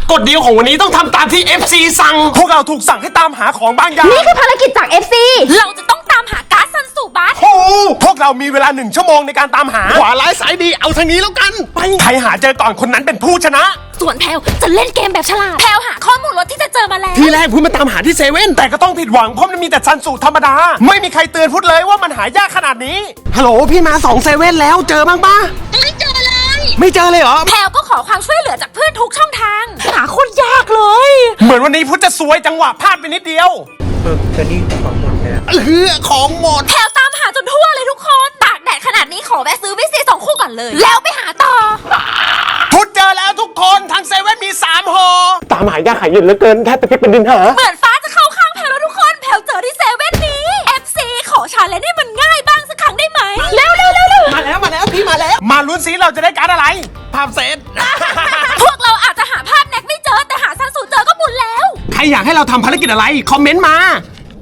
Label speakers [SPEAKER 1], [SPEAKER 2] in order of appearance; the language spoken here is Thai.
[SPEAKER 1] กฎเดียวของวันนี้ต้องทำตามที่ FC สั่งพวกเราถูกสั่งให้ตามหาของบางอย่าง
[SPEAKER 2] นี่คือภารกิจจาก FC
[SPEAKER 3] เราจะต้องตามหาก๊าซซันสูบัส
[SPEAKER 1] โอ้พวกเรามีเวลา1 ชั่วโมงในการตามหาขวาร้ายสายดีเอาทางนี้แล้วกันไปใครหาเจอก่อนคนนั้นเป็นผู้ชนะ
[SPEAKER 3] ส่วนแพลวจะเล่นเกมแบบฉลาดแพลวหาข้อมูลรถที่จะเจอมาแล้ว
[SPEAKER 1] ทีแรกพูดมาตามหาที่เซเว่นแต่ก็ต้องผิดหวังเพราะมันมีแต่ซันสูธรรมดาไม่มีใครเตือนพูดเลยว่ามันหายากขนาดนี้ฮัลโหลพี่มา2เซเว่นแล้วเจอบ้างปะ
[SPEAKER 3] ไม่เจอเลย
[SPEAKER 1] ไม่เจอเลยเหรอ
[SPEAKER 3] แพลวก็ขอความช่วยเหลือจากเพื่อนทุกช่องทางหาคนยากเลย
[SPEAKER 1] เหมือนวันนี้พุทธจะซวยจังหวะพลาดไปนิดเดียว
[SPEAKER 4] แต่นี่ของหมดแล้ว
[SPEAKER 1] ของหมด
[SPEAKER 3] แพลวตามหาจนทั่วเลยทุกคนตากแดดขนาดนี้ขอแวะซื้อวิซี2 คู่ก่อนเลยแล้วไปหาต่อ
[SPEAKER 1] พุทธเจอแล้วทุกคนทางเซเว่นมี3ห่อตามหายากหายเย็นเหลือเกินแทบจะเป็นดินหา
[SPEAKER 3] เหมือนฟ้าจะเข้าข้างแพลวแล้วทุกคนแพลวเจอที่เซเว่นนี้ FC ขอชาเลนจ์ให้มันง่ายบ้างสักครั้งได้ไหมเร็ว
[SPEAKER 1] มาแล้วพี่มาแล้วมาลุ้นซิเราจะได้การ์ดอะไรภาพเซต
[SPEAKER 3] พวกเราอาจจะหาภาพแน็กไม่เจอแต่หาซันสูเจอก็บุญแล้ว
[SPEAKER 1] ใครอยากให้เราทำภารกิจอะไรคอมเมนต์มา